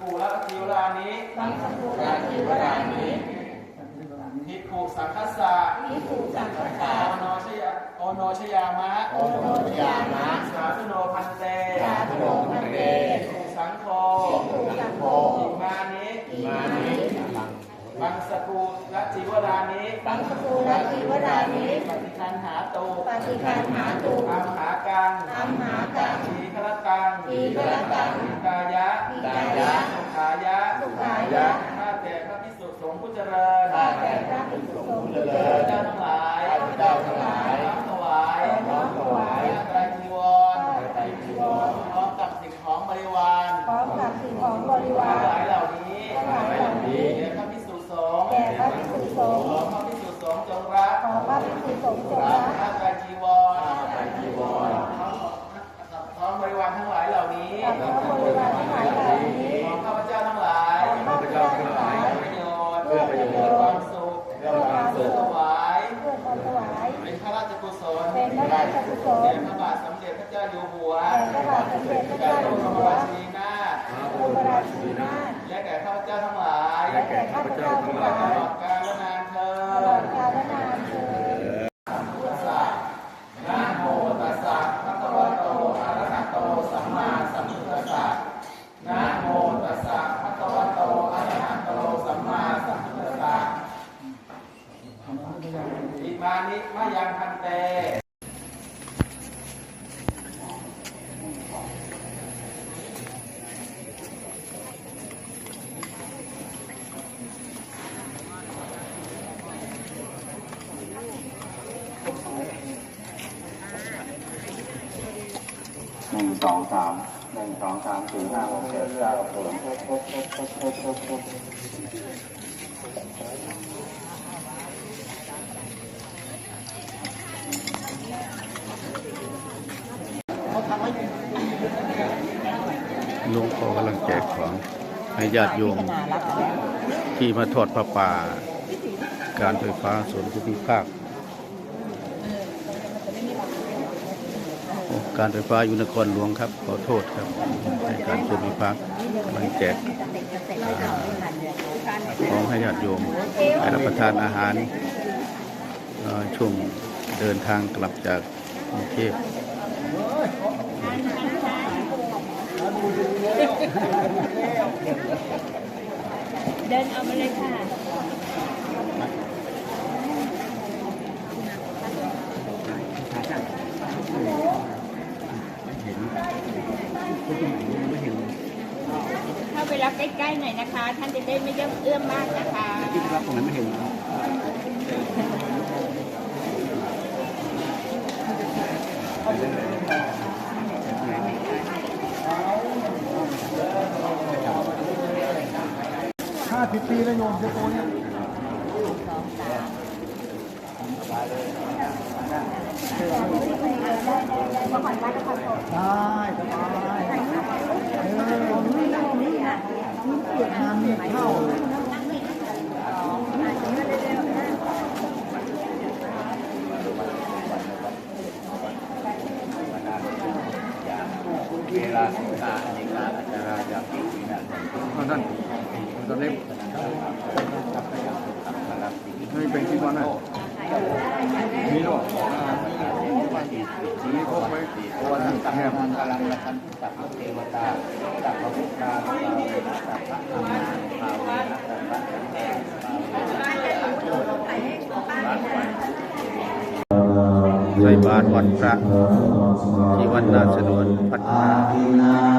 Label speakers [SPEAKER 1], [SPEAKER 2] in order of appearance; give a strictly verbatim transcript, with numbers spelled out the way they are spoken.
[SPEAKER 1] ภูและทิวรานิ
[SPEAKER 2] บังสกุลทิวรานิ
[SPEAKER 1] ภิกขุสังฆัสสะ
[SPEAKER 2] ภิกขุสังฆัสสะ
[SPEAKER 1] โอโนชยาโอโนชยามะ
[SPEAKER 2] โอโนชยามะ
[SPEAKER 1] สาธุโนพันเต
[SPEAKER 2] สาธุโนพันเต
[SPEAKER 1] ภิกขุสังโฆ
[SPEAKER 2] ภิกขุสังโฆ
[SPEAKER 1] อิมานิ
[SPEAKER 2] อิมานิ
[SPEAKER 1] บังสกุลและทิวรานิ
[SPEAKER 2] บังสกุลทิวรานิ
[SPEAKER 1] ปฏิคันหาตุ
[SPEAKER 2] ปฏิคันหาตุ
[SPEAKER 1] อัมหากัง
[SPEAKER 2] อัมหากัง
[SPEAKER 1] ทีฆรตัง
[SPEAKER 2] ทีฆรตัง
[SPEAKER 1] กายะ
[SPEAKER 2] กายะ
[SPEAKER 1] สุขายะ
[SPEAKER 2] สุขายะ
[SPEAKER 1] ข้าแต่พระภิกษุสงฆ์ผู้เจริญ
[SPEAKER 2] ข้าแต่พระภิกษุสงฆ์ผู้เจริญ
[SPEAKER 1] เจ้าทั้งหลาย
[SPEAKER 2] เจ้าทั้งหลาย
[SPEAKER 1] น้อมถวาย
[SPEAKER 2] น้อมถวาย
[SPEAKER 1] ไตรจีวร
[SPEAKER 2] ไตรจีวร
[SPEAKER 1] พร้อมกับสิ่งของบริวาร
[SPEAKER 2] พร้อมกับสิ่งของบริวาร
[SPEAKER 1] ทั้งหลายเหล่านี้
[SPEAKER 2] ทั้งหลายเหล่านี้
[SPEAKER 1] แด่พระภิกษุสงฆ์
[SPEAKER 2] แด่พระภิกษุสงฆ์
[SPEAKER 1] ขอพระภิกษุสงฆ์จงรัก
[SPEAKER 2] ขอพระภิกษุสงฆ์จงรัก
[SPEAKER 1] ข้าไตรจีวร
[SPEAKER 2] ไตรจีวร
[SPEAKER 1] พร้อมบริวารทั้งหลายเหล่านี้
[SPEAKER 2] พร้อมบริวารทั้งหลายเหล่านี้
[SPEAKER 1] ของข้าพเจ้าทั้งหลาย
[SPEAKER 2] ข้าพเจ้าทั้งหลาย
[SPEAKER 1] ประโยชน์เพื่อประโยชน์ความสุข
[SPEAKER 2] เพื่อความสุข
[SPEAKER 1] ถวาย
[SPEAKER 2] เพื่อความถวาย
[SPEAKER 1] เป็นพระราชกุศล
[SPEAKER 2] เป็นพระราชกุศล
[SPEAKER 1] แด่พระบาทสมเด็จพระเจ้าอยู่หัว
[SPEAKER 2] แด่พระบาทสมเด็จพระเจ้าอยู่หัว
[SPEAKER 1] พระบรมราชินีนาถ
[SPEAKER 2] พระบรมราชินีนาถ
[SPEAKER 1] และแก่ข้าพเจ้าทั้งหลาย
[SPEAKER 2] และแก่ข้าพเจ้าทั้งหลาย
[SPEAKER 1] ตลอดกาลและนานเทอ
[SPEAKER 2] ตลอ
[SPEAKER 1] ญ
[SPEAKER 2] ดกาลและนานเทอญ
[SPEAKER 1] นะโมตัสสะภะคะวะโตอะระหะโตสัมมาสัมพุทธัสสะนะโมตัสสะภะคะวะโตอะระหะโตสัมมาสัมพุทธัสสะอิมานิมะยังพันเต
[SPEAKER 3] หนึ่งสองสามหนึ่งสองสามสี่ห้าหกเจ็ดแปดเก้าสิบครบครบครบครบครบครบครบ
[SPEAKER 4] หลวงพ่อกำลังแจกของให้ญาติโยมที่มาทอดพระป่าการไฟฟ้าส่วนภูมิภาคการไฟฟ้าอยู่นครหลวงครับขอโทษครับในการภูมิภาคกำลังแจกของให้ญาติโยมไปรับประทานอาหารช่วงเดินทางกลับจากกรุงเทพ
[SPEAKER 2] เดินเอามาเลยค่ะเข้าไปรับใกล้ๆหน่อยนะคะท่านจะได้ไม่เอื้อมมากนะคะ
[SPEAKER 3] ที่รับตรงนั้นไม่เห็นห้าสิบปีแล้วโยมเจ้าตัวเนี้ยสองสามได้สบายเออนี่นี่อ่ะเกียรติงานมีเข้าเวลาสิงหาในการอาจารย์อยากกินนะท่านตอนนี้ไม่เป็นที่บ้านนะมีหรอนี่พบไหมวันนี้แค่มันกำลังละคันจากพระเทวตาจากพระพุทธเจ้าจากพระธรรมภาวนาจากพระแห่ง
[SPEAKER 4] ใส่บาตรวัดพระที่วัดนาสนวนพัฒนา